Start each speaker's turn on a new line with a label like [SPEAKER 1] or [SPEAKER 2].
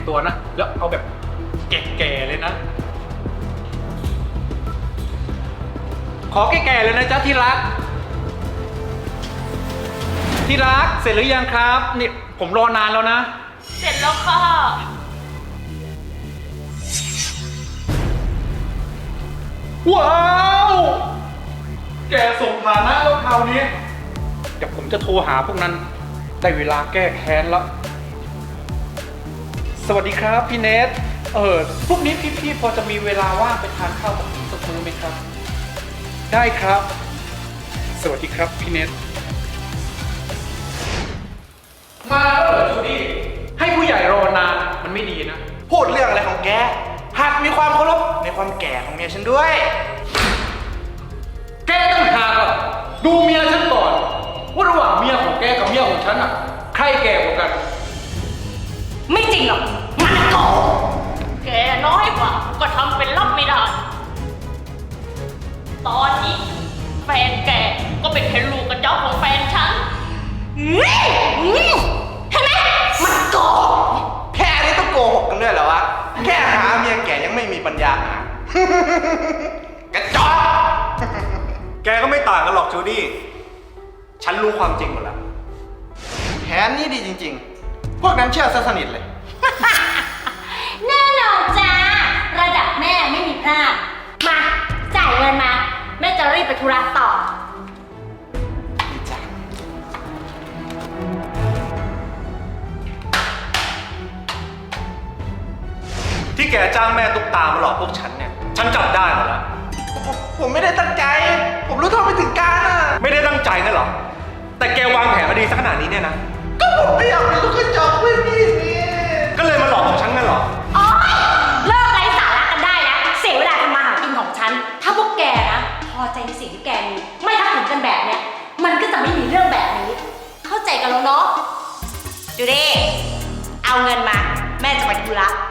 [SPEAKER 1] ตัวนะแล้วเอาแบบแก่ๆเลยนะขอแก่ๆเลยนะจ๊ะที่รักที่รักเสร็จหรือยังครับนี่ผมรอนานแล้วนะ
[SPEAKER 2] เสร็จแล้วค่ะ
[SPEAKER 1] ว้าวแกส่งฐานะแล้วคราวนี้เดี๋ยวผมจะโทรหาพวกนั้นได้เวลาแก้แค้นแล้วสวัสดีครับพี่เนทพรุ่งนี้พี่พอจะมีเวลาว่างไปทานข้าวกับผมสักมื้อไหมครับได้ครับสวัสดีครับพี่เนทมาแล้วเหรอจูดี้ให้ผู้ใหญ่รอนานมันไม่ดีนะ
[SPEAKER 3] พูดเรื่องอะไรของแกหากมีความเคารพในความแก่ของเมียฉันด้วย
[SPEAKER 1] แกต้องหากอะดูเมียฉันก่อนว่าระหว่างเมียของแกกับเมียของฉันอะใครแก่กว่ากัน
[SPEAKER 2] ไม่จริงหรอกมันโกหกแกน้อยกว่าก็ทำเป็นรับไม่ได้ตอนนี้แฟนแกก็เป็นแค่ลูกกระจอกของแฟนฉันเห็นไหมมันโกหก
[SPEAKER 3] แค่นี้ต้องโกหกกันด้วยเหรอวะแค่หาเมียแก่ยังไม่มีปัญญาหากระจอก
[SPEAKER 4] แกก็ไม่ต่างกันหรอกจูดี้ฉันรู้ความจริงหมดแล้ว
[SPEAKER 3] แผนนี้ดีจริงๆพวกนั้นเชื่อซะสนิทเลย
[SPEAKER 5] แน่นอนจ้าระดับแม่ไม่มีพลาดมาจ่ายเงินมาแม่จะรีบไปธุระต่อ
[SPEAKER 4] ที่แกจ้างแม่ตุ๊กตามาหลอกพวกฉันเนี่ยฉันจับได้หมดแล้ว
[SPEAKER 3] ผมไม่ได้ตั้งใจผมรู้เท่าไม่ถึงการอ่ะ
[SPEAKER 4] ไม่ได้ตั้งใจนั่นหรอแต่แกวางแผนมาดีสักขนาดนี้เนี่ยนะ
[SPEAKER 3] ก็ผมไม่อยากเป็นลูกกระจอกเพื่อนพี่นี่
[SPEAKER 4] ก็เลยมาหลอกของฉันนั่นหรอ
[SPEAKER 5] อ๋อเลิกไร้สาระกันได้แล้วเสียเวลาทำมาหากินของฉันถ้าพวกแกนะพอใจในสิ่งที่แกมีไม่ทักถึงกันแบบเนี้ยมันก็จะไม่มีเรื่องแบบนี้เข้าใจกันแล้วเนาะจูดี้เอาเงินมาแม่จะไปธุระ